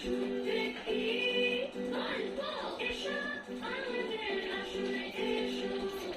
শুনবে কি গল্প এসো আমাদের আসলে এসো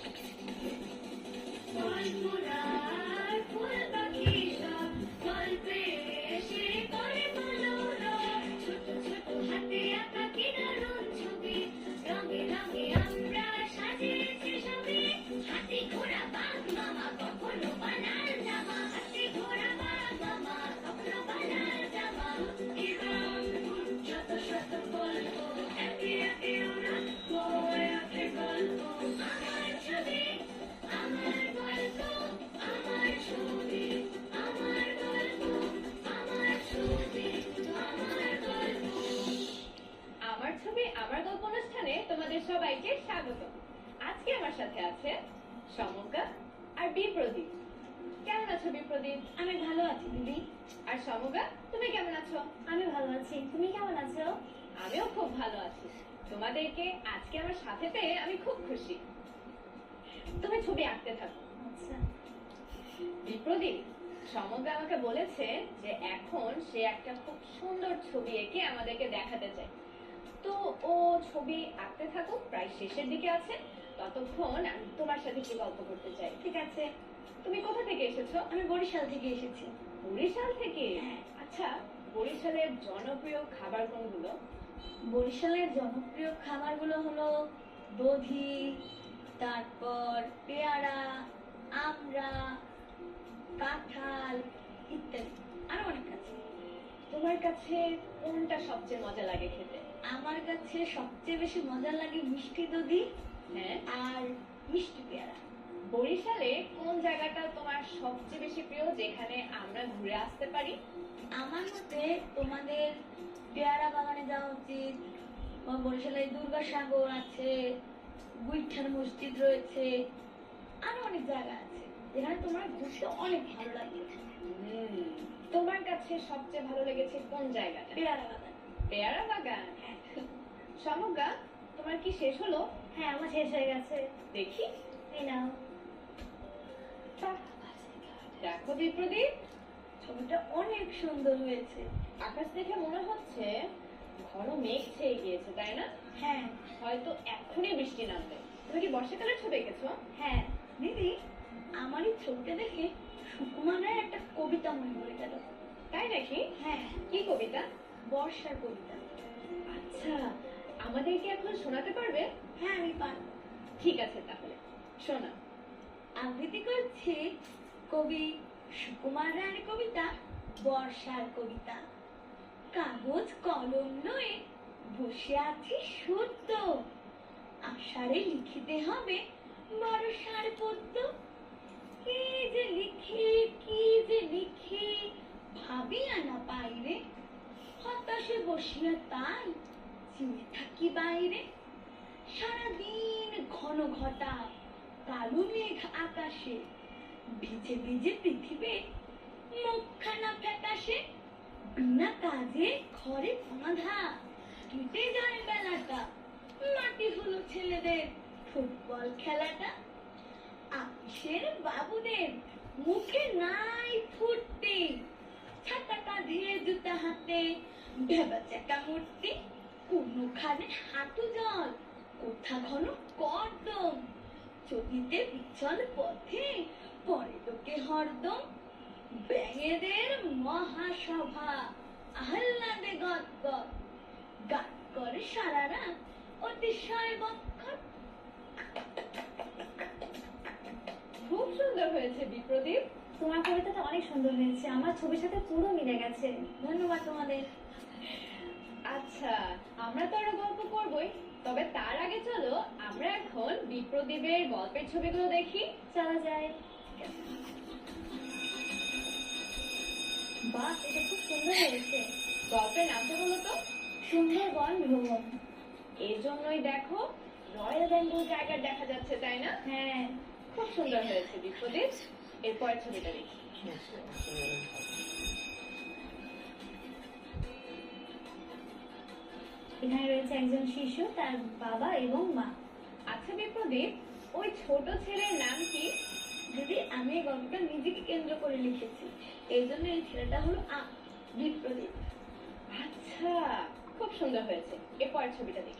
গল্পরার ফুল পাখি সব গল্পে এসে করে মনোরম ছোট ছোট হাতে আঁকা কি দারুণ ছবি রঙে রঙে আমরা সাজিয়েছি সবই হাতি ঘোড়া বাঘ মামা কখনো বানার জামা হাতি ঘোড়া বাঘ মামা কখনো বানার জামা ইরাম যত শত গল্প একে একে ওরা বয়ে ওঠে গল্প আমার ছবি আমার গল্প আমার ছবি আমার গল্প আমার ছবি আমার গল্প আমার ছবি আমার গল্প অনুষ্ঠানে তোমাদের সবাইকে স্বাগত। আজকে আমার সাথে আছে সমজ্ঞা আর বিপ্রদীপ। কেমন আছো বিপ্রদীপ? আমি ভালো আছি দিদি। আর সমজ্ঞা, তুমি কেমন আছো? আমি ভালো আছি, তুমি কেমন আছো? আমিও খুব ভালো আছি। তোমাদেরকে আজকে আমার সাথে পেয়ে আমি খুব খুশি। তুমি ছবি আঁকতে থাকো। আচ্ছা। বিপ্রদীপ, সমজ্ঞা আমাকে বলেছে যে এখন সে একটা খুব সুন্দর ছবি এঁকে আমাদেরকে দেখাতে চায়। তো ও ছবি আঁকতে থাকুক, প্রায় শেষের দিকে আছে। ততক্ষণ আমি তোমার সাথে কি গল্প করতে চাই। ঠিক আছে। তুমি কোথা থেকে এসেছো? আমি বরিশাল থেকে এসেছি। বরিশাল থেকে? হ্যাঁ। আচ্ছা, বরিশালের জনপ্রিয় খাবার কোনগুলো? বরিশালের জনপ্রিয় খাবারগুলো হলো দধি, তারপর পেয়ারা, আমড়া, কাঁঠাল ইত্যাদি, আরো অনেক আছে। তোমার কাছে কোনটা সবচেয়ে মজা লাগে খেতে? আমার কাছে সবচেয়ে বেশি মজা লাগে মিষ্টি দধি হ্যাঁ। আর মিষ্টি পেয়ারা। বরিশালে কোন জায়গাটা তোমার সবচেয়ে বেশি প্রিয়, যেখানে আমরা ঘুরে আসতে পারি? আমার মতে তোমাদের পেয়ারা বাগানে যাওয়া উচিত। বরিশালে দুর্গাসাগর আছে, গুইঠান মসজিদ রয়েছে, আরো অনেক জায়গা আছে যেখানে তোমার ঘুরতে অনেক ভালো লাগবে। তোমার কাছে সবচেয়ে ভালো লেগেছে কোন জায়গাটা? পেয়ারা বাগান। পেয়ারা বাগান? হ্যাঁ। সমজ্ঞা, তোমার কি শেষ হলো? হ্যাঁ, আমার শেষ হয়ে গেছে। দেখি। এই নাও। দেখো বিপ্রদীপ, ছবিটা অনেক সুন্দর হয়েছে। আকাশ দেখে মনে হচ্ছে ঘন মেঘ ছেয়ে গিয়েছে, তাই না? হ্যাঁ। হয়তো এখনই বৃষ্টি নামবে। তুমি কি বর্ষাকালের ছবি এঁকেছো? হ্যাঁ দিদি, আমার এই ছবিটা দেখে সুকুমারের একটা কবিতা মনে পড়ে গেল। তাই নাকি? হ্যাঁ। কি কবিতা? বর্ষার কবিতা। আচ্ছা, আমাদেরকে এখন শোনাতে পারবে? হ্যাঁ, আমি পারবো। ঠিক আছে, তাহলে শোনা। আবৃত্তি করছি কবি সুকুমার রায়ের কবিতা বর্ষার কবিতা। কাগজ কলম লয়ে বসে আছি সত্য, আষাঢ়ে লিখিতে হবে বর্ষার পদ্য। কি যে লিখি কি যে লিখি ভাবিয়া না পাইরে, হতাশে বসিয়া তাই চিনে থাকি বাইরে। সারাদিন ঘন ঘটা কালো মেঘ আকাশে, ভিজে ভিজে পৃথিবী মুখখানা ফ্যাকাশে। বিনা কাজে ঘরে বাঁধা কেটে যায় বেলাটা, মাটি হলো ছেলেদের ফুটবল খেলাটা। আপিসের বাবুদের মুখে নাই ফুটতি, ছাতা কাঁধে জুতা হাতে ভেবা চাকা মূর্তি। কোনোখানে হাঁটু জল, কোথা ঘন কর্দম, চকিতে বিচল পথে পরে লোকে হরদম। ব্যাঙেদের মহাসভা আহ্লাদে গদগদ, গান করে সারা রাত অতিশয় বক্ষর। খুব সুন্দর হয়েছে বিপ্রদীপ। তোমার কবিতাটা অনেক সুন্দর হয়েছে, আমার ছবির সাথে পুরো মিলে গেছে। ধন্যবাদ তোমাদের। আচ্ছা, আমরা তো আরো গল্প করবোই, তবে তার আগে চলো আমরা এখন বিপ্রদীপের গল্পের ছবিগুলো দেখি। চলা যায়। বাহ, এটা খুব সুন্দর হয়েছে। গল্পের নামটা বলো তো? সুন্দরবন ভ্রমণ। এই জন্যই দেখো রয়্যাল বেঙ্গল টাইগার দেখা যাচ্ছে, তাই না? হ্যাঁ, খুব সুন্দর হয়েছে বিপ্রদীপ। এরপরের ছবিটা দেখি। এখানে রয়েছে একজন শিশু, তার বাবা এবং মা। আচ্ছা বিপ্রদীপ, ওই ছোট ছেলের নাম কি? দিদি, আমি এই গল্পটা নিজেকে কেন্দ্র করে লিখেছি, এই জন্য এই ছেলেটা হলো বিপ্রদীপ। আচ্ছা, খুব সুন্দর হয়েছে। এরপরের ছবিটা দেখি।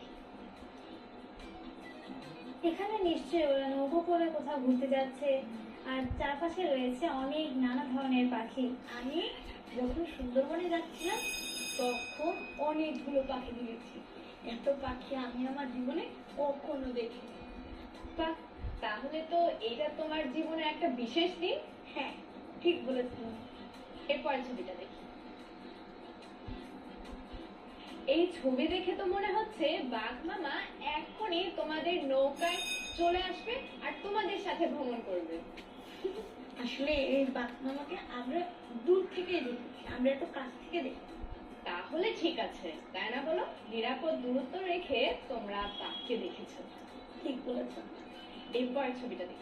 এখানে নিশ্চয়ই ওরা নৌকো করে কোথাও ঘুরতে যাচ্ছে, আর চারপাশে রয়েছে অনেক নানা ধরনের পাখি। আমি যখন সুন্দরবনে যাচ্ছিলাম তখন অনেকগুলো পাখি দেখেছি। এত পাখি আমি আমার জীবনে কখনো দেখিনি। বাহ, তাহলে তো এইটা তোমার জীবনে একটা বিশেষ দিন। হ্যাঁ, ঠিক বলেছিলাম। এরপরের ছবিটা দেখি। এই ছবি দেখে তো মনে হচ্ছে বাঘ মামা এখনই তোমাদের নৌকায় চলে আসবে আর তোমাদের সাথে ভ্রমণ করবে। আসলে এই বাঘ মামাকে আমরা দূর থেকে দেখেছি, আমরা এত কাছ থেকে দেখি। তাহলে ঠিক আছে, তাই না বলো? নিরাপদ দূরত্ব রেখে তোমরা বাঘকে দেখেছো। ঠিক বলেছো। এরপরের ছবিটা দেখি।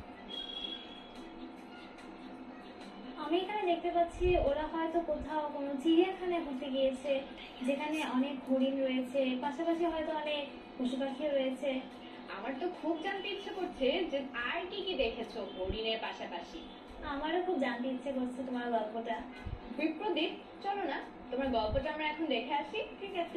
আমি এখানে দেখতে পাচ্ছি ওরা হয়তো কোথাও কোনো চিড়িয়াখানায় ঘুরতে গিয়েছে, যেখানে অনেক হরিণ রয়েছে, পাশাপাশি হয়তো অনেক পশু পাখিও রয়েছে। আমার তো খুব জানতে ইচ্ছে করছে যে আর কি কি দেখেছো হরিণের পাশাপাশি। আমারও খুব জানতে ইচ্ছে করছে তোমার গল্পটা। বিপ্রদীপ, চলো না তোমার গল্পটা আমরা এখন দেখে আসি। ঠিক আছে।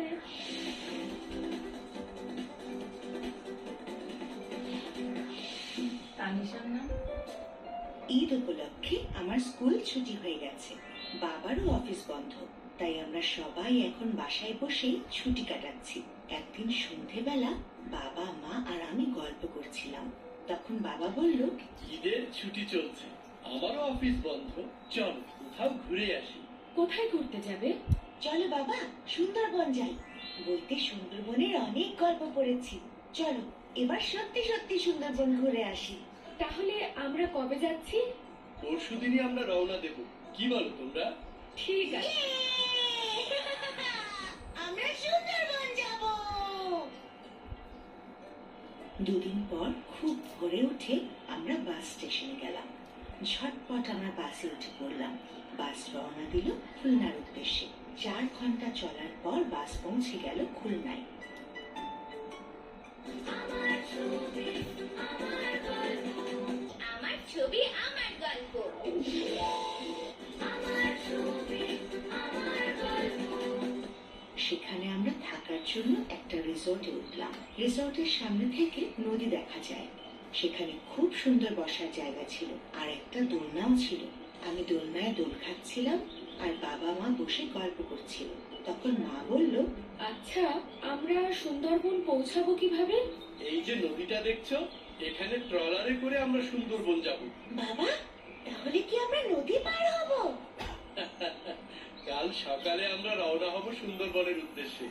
তানিশার নাম। ঈদ উপলক্ষে আমার স্কুল ছুটি হয়ে গেছে, বাবারও অফিস বন্ধ, তাই আমরা সবাই এখন বাসায় বসেই ছুটি কাটাচ্ছি। একদিন সন্ধেবেলা বাবা মা আর আমি গল্প করছিলাম, তখন বাবা বলল, ঈদের ছুটি চলছে, আমারও অফিস বন্ধ, চল কোথাও ঘুরে আসি। কোথায় ঘুরতে যাবে? চলো বাবা সুন্দরবন যাই, বইতে সুন্দরবনের অনেক গল্প পড়েছি, চলো এবার সত্যি সত্যি সুন্দরবন ঘুরে আসি। তাহলে আমরা কবে যাচ্ছি? পরশুদিনই আমরা রওনা দেব, কি বলো তোমরা? ঠিক আছে। আমরা সুন্দরবন যাব। দুদিন পর খুব ভোরে উঠে আমরা বাস স্টেশনে গেলাম। ঝটপট আমরা বাসে উঠে পড়লাম। বাস রওনা দিল খুলনার উদ্দেশ্যে। 4 ঘন্টা চলার পর বাস পৌঁছে গেল খুলনায়। আমার ছবি আমার গল্প, আমার ছবি আমার গল্প। আমার ছবি আমার গল্প। সেখানে আমরা থাকার জন্য একটা রিসোর্টে উঠলাম। রিসোর্টের সামনে থেকে নদী দেখা যায়। সেখানে খুব সুন্দর বসার জায়গা ছিল, আর একটা দোলনাও ছিল। আমি দোলনায় দোল খাচ্ছিলাম আর বাবা মা বসে গল্প করছিল। তখন মা বলল, আচ্ছা, আমরা সুন্দরবন পৌঁছাবো কিভাবে? এই যে নদীটা দেখছো, এখানে ট্রলারে করে আমরা সুন্দরবন যাব। বাবা তাহলে কি আমরা নদী পার হব? কাল সকালে আমরা রওনা হব সুন্দরবনের উদ্দেশ্যে।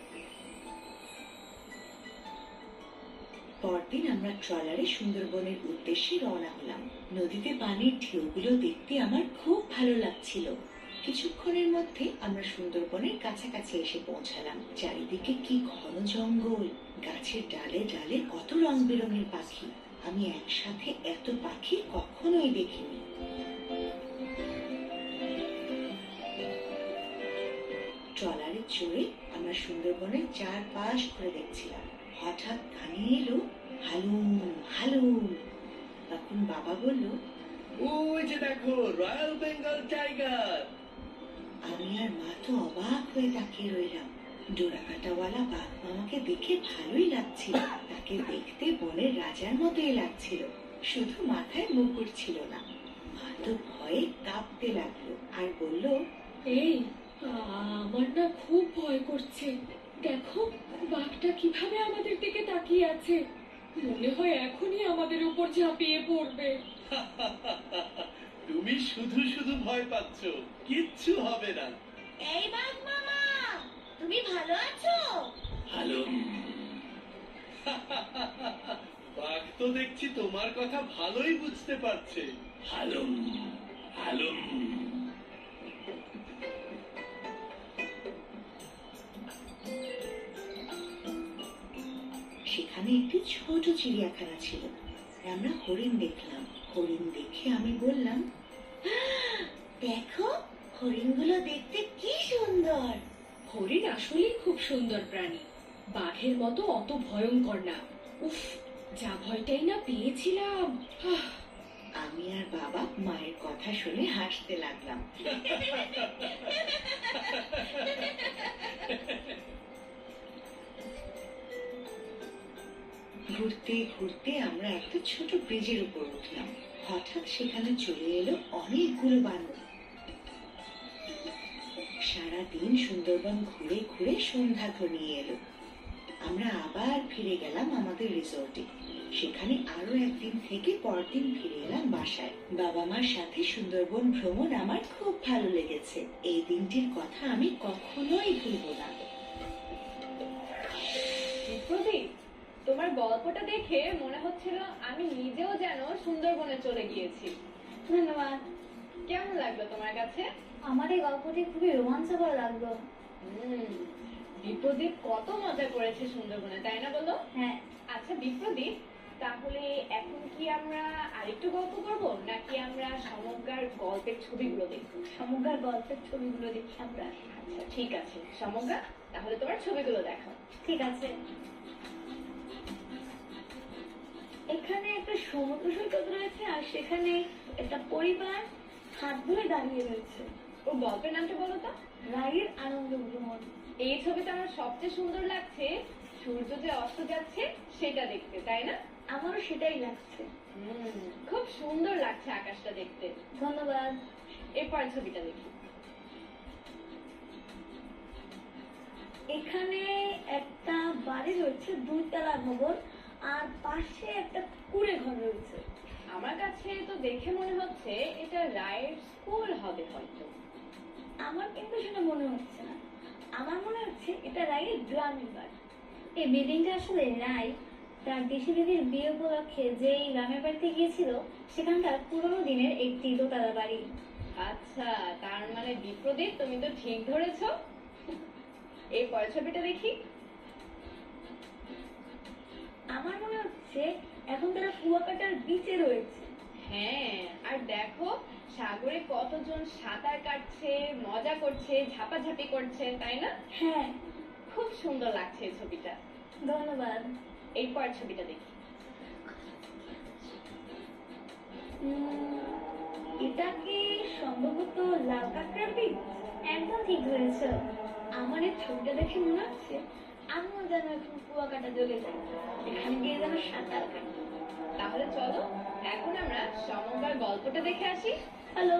পরদিন আমরা ট্রলারে সুন্দরবনের উদ্দেশ্যে রওনা হলাম। নদীতে পানির ঢেউগুলো দেখতে আমার খুব ভালো লাগছিল। কিছুক্ষণের মধ্যে আমরা সুন্দরবনের কাছাকাছি এসে পৌঁছালাম। চারিদিকে কি ঘন জঙ্গল, গাছের ডালে ডালে কত রং বেরঙের পাখি। আমি একসাথে এত পাখি কখনোই দেখিনি। ট্রলারে চড়ে আমরা সুন্দরবনের চারপাশ ঘুরে দেখছিলাম। হঠাৎ কানে এলো হালুম হালুম। তখন বাবা বলল, ওই যে দেখো রয়্যাল বেঙ্গল টাইগার। আমি আর মা তো অবাক হয়ে তাকিয়ে রইলাম। ডোরাকাটাওয়ালা বাঘ মামাকে দেখে ভালোই লাগছিল। তাকে দেখতে বনের রাজার মতোই লাগছিল, শুধু মাথায় মুকুট ছিল না। মা তো ভয়ে কাঁপতে লাগলো আর বলল, এই, আমার না খুব ভয় করছে। দেখো বাঘটা কিভাবে আমাদের দিকে তাকিয়ে আছে, মনে হয় এখনই আমাদের উপর ঝাঁপিয়ে পড়বে। তুমি শুধু শুধু ভয় পাচ্ছ, কিচ্ছু হবে না। এই বাঘ মামা, তুমি ভালো আছো? হ্যালো। বাঘ তো দেখছি তোমার কথা ভালোই বুঝতে পারছে। Hello hello. সেখানে একটি ছোট চিড়িয়াখানা ছিল। আমরা হরিণ দেখলাম। হরিণ দেখে আমি বললাম, দেখো হরিণগুলো দেখতে কি সুন্দর। হরিণ আসলেই খুব সুন্দর প্রাণী, বাঘের মতো অত ভয়ঙ্কর না। উফ, যা ভয়টাই না পেয়েছিলাম। আমি আর বাবা মায়ের কথা শুনে হাসতে লাগলাম। ঘুরতে ঘুরতে আমরা একটা ছোট ব্রিজের উপর উঠলাম। হঠাৎ সেখানে চলে এলো অনেকগুলো বানর। সারাদিন সুন্দরবন ঘুরে ঘুরে সন্ধ্যা ঘনিয়ে এলো। আমরা আবার ফিরে গেলাম আমাদের রিসোর্টে। সেখানে আরো একদিন থেকে পরের দিন ফিরে এলাম বাসায়। বাবা মার সাথে সুন্দরবন ভ্রমণ আমার খুব ভালো লেগেছে। এই দিনটির কথা আমি কখনোই ভুলবো না। প্রদীপ, তোমার গল্পটা দেখে মনে হচ্ছিল আমি নিজেও যেন সুন্দরবনে চলে গিয়েছি। ধন্যবাদ। কেমন লাগলো তোমার কাছে? আমার এই গল্পটি খুবই রোমাঞ্চকর লাগলো। বিপ্রদীপ কত মজা করেছে সুন্দরবনে, তাই না বলো? হ্যাঁ। আচ্ছা বিপ্রদীপ, তাহলে এখন কি আমরা আরেকটু গল্প করব, নাকি আমরা সমগ্র গল্পের ছবিগুলো দেখব? সমগ্র গল্পের ছবিগুলো দেখি আমরা। আচ্ছা ঠিক আছে সমগ্র, তাহলে তোমার ছবিগুলো দেখো। ঠিক আছে। এখানে একটা সমুদ্র সৈকত রয়েছে আর সেখানে একটা পরিবার হাত ধরে দাঁড়িয়ে রয়েছে। ও গল্পের নামটা বলো তো। রায়ের আনন্দ ভ্রমণ। এই ছবিটা আমার সবচেয়ে সুন্দর লাগছে সূর্য যে অস্ত যাচ্ছে সেটা দেখতে, তাই না? আমারও সেটাই লাগছে। খুব সুন্দর লাগছে আকাশটা দেখতে। ধন্যবাদ। এরপর ছবিটা দেখি। এখানে একটা বাড়ি রয়েছে, 2 তলা ভবন, আর পাশে একটা কুঁড়ে ঘর রয়েছে। আমার কাছে তো দেখে মনে হচ্ছে এটা রায়ের স্কুল হবে হয়তো। আমার কিন্তু সেটা মনে হচ্ছে না, আমার মনে হচ্ছে এটা রায়ের গ্রামের বাড়ি। এই বিল্ডিংটা আসলে রায় তার দেশি দিদির বিয়ে উপলক্ষে যেই গ্রামের বাড়িতে গিয়েছিল সেখানকার পুরোনো দিনের একটি দোতলা বাড়ি। আচ্ছা, তার মানে বিপ্রদীপ তুমি তো ঠিক ধরেছো। এই পরের ছবিটা দেখি। আমার মনে হচ্ছে এখন তারা কুয়াকাটার বিচে রয়েছে। হ্যাঁ, আর দেখো সাগরে কতজন সাঁতার কাটছে, মজা করছে, ঝাপাঝাপি করছে, তাই না? হ্যাঁ। খুব সুন্দর লাগছে এই ছবিটা। ধন্যবাদ। এই পরের ছবিটা দেখি। এটা কি সম্ভবত লাল কাঁকড়ার বীজ? একদম ঠিক ধরেছ। আমার এই ছবিটা দেখে মনে হচ্ছে আমিও যেন এখন কুয়াকাটা চলে যাই, এখানে গিয়ে যেন সাঁতার কাটি। তাহলে চলো এখন আমরা সমগ্র গল্পটা দেখে আসি। হ্যালো।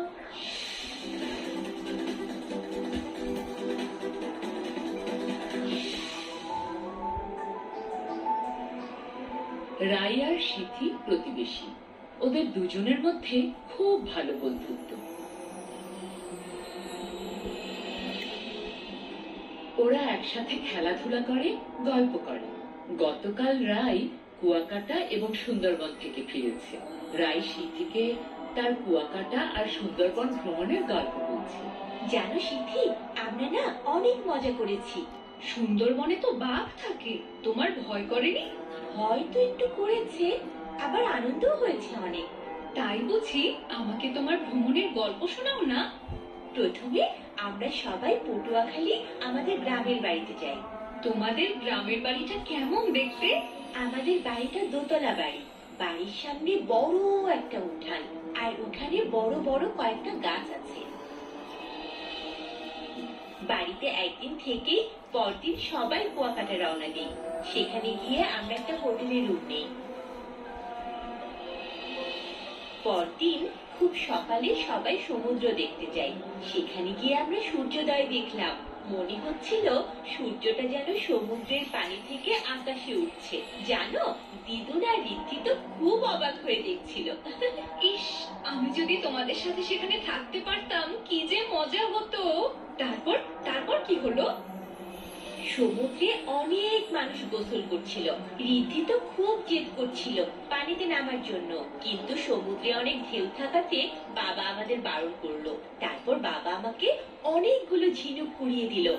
রাই আর সিথি প্রতিবেশী। ওদের দুজনের মধ্যে খুব ভালো বন্ধুত্ব। ওরা একসাথে খেলাধুলা করে, গল্প করে। গতকাল রাই কুয়াকাটা এবং সুন্দরবন থেকে ফিরেছে। রাই সিথিকে তার কুয়াকাটা আর সুন্দরবন ভ্রমণের গল্প বলছে। জানো সিথি, আমরা না অনেক মজা করেছি। সুন্দরবনে তো বাঘ থাকে, তোমার ভয় করেনি? হয়তো একটু করেছে, আবার আনন্দও হয়েছে অনেক। তাই বুঝি আমাকে তোমার ভ্রমণের গল্প শোনাও না। প্রথমে আমরা সবাই পটুয়াখালী আমাদের গ্রামের বাড়িতে যাই। তোমাদের গ্রামের বাড়িটা কেমন দেখতে? আমাদের বাড়িটা দোতলা বাড়ি। বাড়ির সামনে বড় একটা উঠান, আর উঠানে বড় বড় কয়েকটা গাছ আছে। বাড়িতে একদিন থেকে পরদিন সবাই কুয়াকাটা রওনা দিই। সেখানে গিয়ে আমরা একটা হোটেলে রুম নেই। পরদিন খুব সকালে সবাই সমুদ্র দেখতে যাই। সেখানে গিয়ে আমরা সূর্যোদয় দেখলাম। মনে হচ্ছিল সূর্যটা যেন সমুদ্রের পানি থেকে আকাশে উঠছে। জানো, দিদুন আর ঋদ্ধি তো খুব অবাক হয়ে দেখছিল। ইস, আমি যদি তোমাদের সাথে সেখানে থাকতে পারতাম, কি যে মজা হতো। তারপর তারপর কি হলো? সমুদ্রে অনেক মানুষ গোসল করছিল। ঋদ্ধি তো খুব জেদ করছিল পানিতে নামার জন্য, কিন্তু সমুদ্রে অনেক ঢেউ থাকাতে বাবা আমাদের বারণ করলো। তারপর বাবা আমাকে অনেকগুলো ঝিনুক কুড়িয়ে দিল।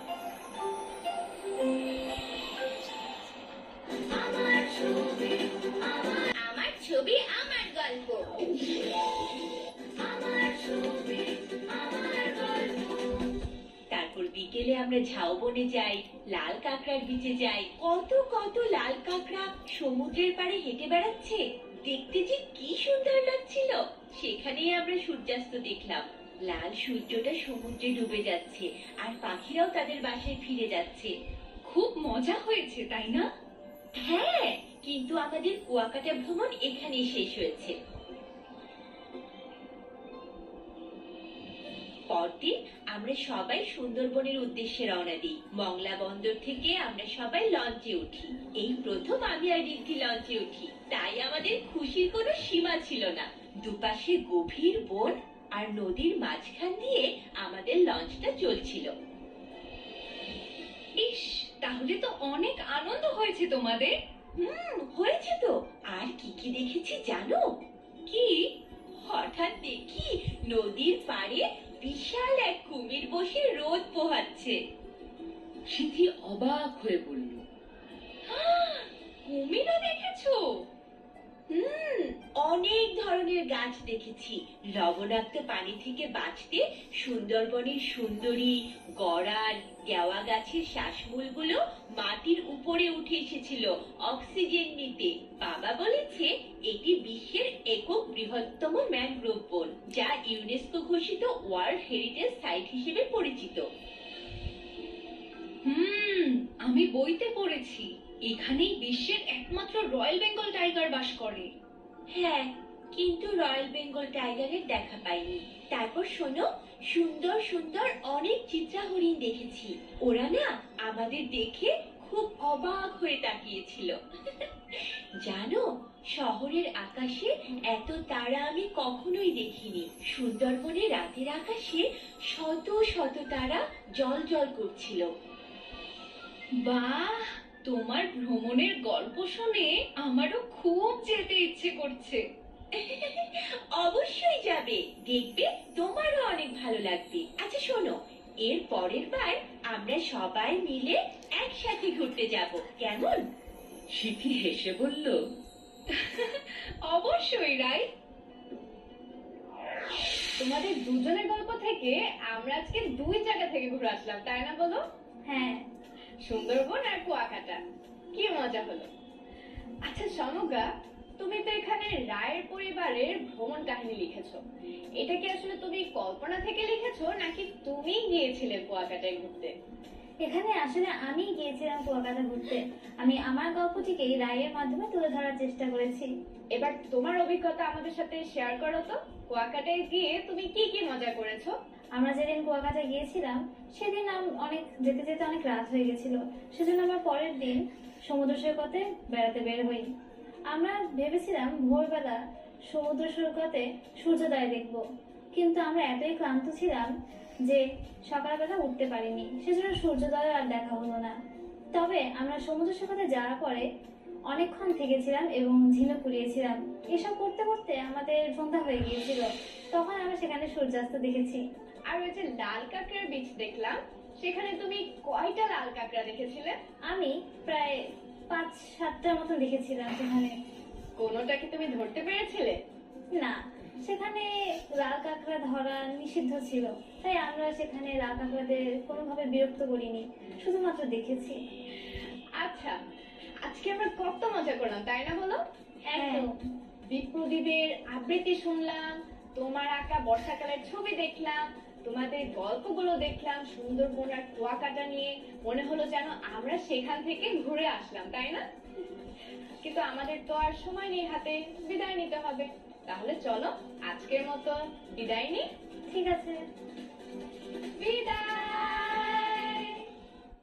আমার ছবি আমার ছবি আমার গল্প। আমার ছবি আমার গল্প। তারপর বিকেলে আমরা ঝাউবনে যাই, লাল কাঁকড়ার বিচে যাই। কত কত লাল কাঁকড়া সমুদ্রের পাড়ে হেঁটে বেড়াচ্ছে। দেখতে যে কি সুন্দর লাগছিল। সেখানেই আমরা সূর্যাস্ত দেখলাম। লাল সূর্যটা সমুদ্রে ডুবে যাচ্ছে আর পাখিরাও তাদের বাসায় ফিরে যাচ্ছে। খুব মজা হয়েছে তাই না? হ্যাঁ, কিন্তু আমাদের কুয়াকাটা ভ্রমণ এখানেই শেষ হয়েছে। পরদিন আমরা সবাই সুন্দরবনের উদ্দেশ্যে রওনা দিই। মংলা বন্দর থেকে আমরা সবাই লঞ্চে উঠি। এই প্রথম আমি আর রিদ্ধি লঞ্চে উঠি, তাই আমাদের খুশির কোনো সীমা ছিল না। দুপাশে গভীর বন আর নদীর মাঝখান দিয়ে আমাদের লঞ্চটা চলছিল। ইস, তাহলে তো অনেক আনন্দ হয়েছে তোমাদের। হয়েছে তো। আর কি কি দেখেছি জানো? কি? হঠাৎ দেখি নদীর পাড়ে বিশাল এক কুমির বসে রোদ পোহাচ্ছে। সিথি অবাক হয়ে বলল, কুমিরও দেখেছো? অনেক ধরনের গাছ দেখেছি। লবণাক্ত পানি থেকে বাঁচতে সুন্দরবনের সুন্দরী, গড়াল, গেওয়া গাছের শ্বাসমূলগুলো মাটির উপরে উঠে এসেছিল অক্সিজেন নিতে। বাবা বলেছে এটি বিশ্বের একক বৃহত্তম ম্যানগ্রোভ বন, যা ইউনেস্কো ঘোষিত ওয়ার্ল্ড হেরিটেজ সাইট হিসেবে পরিচিত। আমি বইতে পড়েছি এখানেই বিশ্বের একমাত্র রয়্যাল বেঙ্গল টাইগার বাস করে। হ্যাঁ, কিন্তু রয়্যাল বেঙ্গল টাইগারের দেখা পাইনি। তারপর শোনো, সুন্দর সুন্দর অনেক চিত্রা হরিণ দেখেছি। ওরা না আমাদের দেখে খুব অবাক হয়ে তাকিয়েছিল। জানো, শহরের আকাশে এত তারা আমি কখনোই দেখিনি। সুন্দরবনে রাতের আকাশে শত শত তারা জ্বলজ্বল করছিল। বাহ, তোমার ভ্রমণের গল্প শুনে আমারও খুব যেতে ইচ্ছে করছে। অবশ্যই যাবে, দেখবে তোমারও অনেক ভালো লাগবে। আচ্ছা শোনো, এর পরের বার আমরা সবাই মিলে একসাথে ঘুরতে যাব, কেমন? সিথি হেসে বলল, অবশ্যই রাই। তোমাদের দুজনের গল্প থেকে আমরা আজকে দুই জায়গা থেকে ঘুরে আসলাম, তাই না বলো? হ্যাঁ, সুন্দরবন আর কুয়াকাটা। কি মজা হলো। আচ্ছা সমগা, তুমি তো এখানে রায়ের পরিবারের ভ্রমণ কাহিনী লিখেছো। এটা কি আসলে তুমি কল্পনা থেকে লিখেছো নাকি তুমি গিয়েছিলে কুয়াকাটায় ঘুরতে? এখানে আসলে আমি গিয়েছিলাম কুয়াকাটা ঘুরতে। আমি আমার গল্পটিকে রায়ের মাধ্যমে তুলে ধরার চেষ্টা করেছি। এবার তোমার অভিজ্ঞতা আমাদের সাথে শেয়ার করো তো। কুয়াকাটায় গিয়ে তুমি কি কি মজা করেছো? আমরা যেদিন কুয়াকাটা গিয়েছিলাম সেদিন অনেক যেতে যেতে অনেক রাত হয়ে গেছিল। সেজন্য আমরা পরের দিন সমুদ্র সৈকতে বেড়াতে বের হই। আমরা ভেবেছিলাম ভোরবেলা সমুদ্র সৈকতে সূর্যোদয় দেখব, কিন্তু আমরা এতই ক্লান্ত ছিলাম যে সকালবেলা উঠতে পারিনি। সেজন্য সূর্যোদয় আর দেখা হলো না। তবে আমরা সমুদ্র সৈকতে যাওয়ার পরে অনেকক্ষণ থেকেছিলাম এবং ঝিনুক কুড়িয়েছিলাম। এসব করতে করতে আমাদের সন্ধ্যা হয়ে গিয়েছিল। তখন আমরা সেখানে সূর্যাস্ত দেখেছি। আর ওই যে লাল কাঁকড়ার বীজ দেখলাম, সেখানে তুমি কয়টা লাল কাঁকড়া দেখেছিলে? আমি প্রায় 5-7টার মতো দেখেছিলাম সেখানে। কোনোটা কি তুমি ধরতে পেরেছিলে? না, সেখানে লাল কাঁকড়া ধরা নিষিদ্ধ ছিল, তাই আমরা সেখানে লাল কাঁকড়াদের কোনোভাবে বিরক্ত করিনি, শুধুমাত্র দেখেছি। আচ্ছা, আজকে আমরা কত মজা করলাম তাই না বলো? একদম। বিপ্রদীপের আবৃত্তি শুনলাম, তোমার আঁকা বর্ষাকালের ছবি দেখলাম, তোমাদের গল্পগুলো দেখলাম সুন্দরবন আর কুয়াকাটা নিয়ে। মনে হলো যেন আমরা সেখান থেকে ঘুরে আসলাম, তাই না? কিন্তু আমাদের তো আর সময় নেই হাতে, বিদায় নিতে হবে। তাহলে চলো আজকের মতো বিদায় নিই। ঠিক আছে।